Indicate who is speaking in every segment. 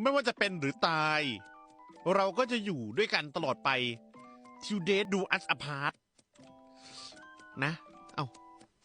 Speaker 1: ไม่ว่าจะเป็นหรือตาย เราก็จะอยู่ด้วยกันตลอดไป till death do us apart นะ เอ้า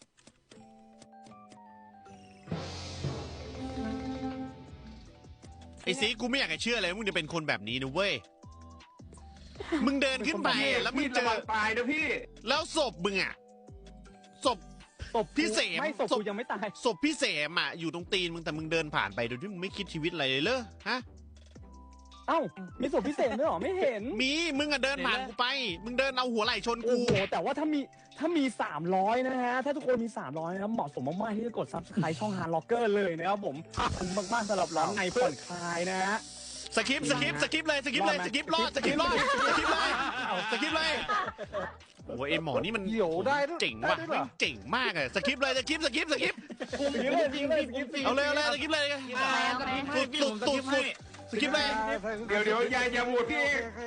Speaker 1: ไอ้สีกูไม่อยากจะเชื่อเลยว่ามึงจะเป็นคนแบบนี้นะเว้ย มึงเดินขึ้นไปแล้วมึงเจอ
Speaker 2: ตายนะพี่
Speaker 1: แล้วศพมึงอะศพ
Speaker 3: ศพ
Speaker 1: พี่เสม
Speaker 3: ไม่ศพกูยังไม่ตาย
Speaker 1: ศพพี่เสมอะอยู่ตรงตีนมึงแต่มึงเดินผ่านไปโดยที่มึงไม่คิดชีวิตอะไรเลยเหรอฮะ
Speaker 3: เอ้ามีศพพิเศษด้วยเหรอไม่เห็น
Speaker 1: มีมึงอะเดินผ่านกูไป มึงเดินเอาหัวไหล่ชน
Speaker 3: โอ้
Speaker 1: กู
Speaker 3: โหแต่ว่าถ้ามี300นะฮะถ้าทุกคนมี300นะครับเหมาะสมมากๆที่จะกด Subscribe ช่อง Hard Locker เลยนะครับผมขอบคุณมากๆสำหรับร้อนในผ่อนคลายนะฮะ
Speaker 1: สคริปต์เลยสคริปต์เลยสคริปต์รอดสคริปต์เลยสคริปต์เลยโอ้ยไอหมอนี่มัน
Speaker 4: เหี่ยวได้ด้วย
Speaker 1: เจ๋งว่ะ
Speaker 4: ได้ด้วยเหรอ
Speaker 1: เจ๋งมากอะสคริปต์เลยสคริปต์
Speaker 3: จริงเลย
Speaker 1: เอาเลยสคริปต์เลยตุดสคริปต์เลย
Speaker 2: เดี๋ยวอย่าโหวตพี่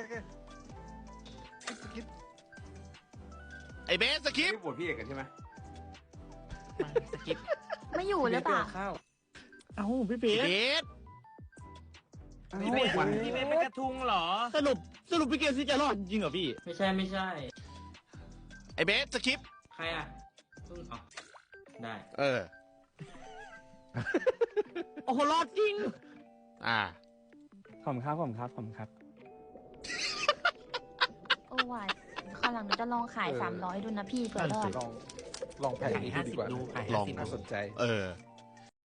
Speaker 1: ไอเบสสคริปต์
Speaker 2: โหวตพี่เอกกันใช่ไหม
Speaker 5: ไม่อยู่หรือเปล่า
Speaker 3: เอ้าพี่เบ
Speaker 1: เบ
Speaker 3: ส
Speaker 1: ส
Speaker 6: พี่เบสเป็นกระทุงเหรอ
Speaker 3: สรุปพี่เกมซี่จะรอดจริงเหรอพี่
Speaker 6: ไม่ใช่
Speaker 1: ไอเบสสคริปต์
Speaker 6: ใครอ่ะซึ่งอ๋อได้
Speaker 3: โอ้โหรอดจริง
Speaker 1: อ่า
Speaker 3: ขอบคุณครับ
Speaker 5: โอ้วายคราวหลังหนูจะลองขาย300ดูนะพี่เผื่อรอด
Speaker 4: ลองแผนนี้ดูดีกว่า
Speaker 6: ดูขาย
Speaker 1: ลอง
Speaker 4: น่าสนใจ
Speaker 1: เออ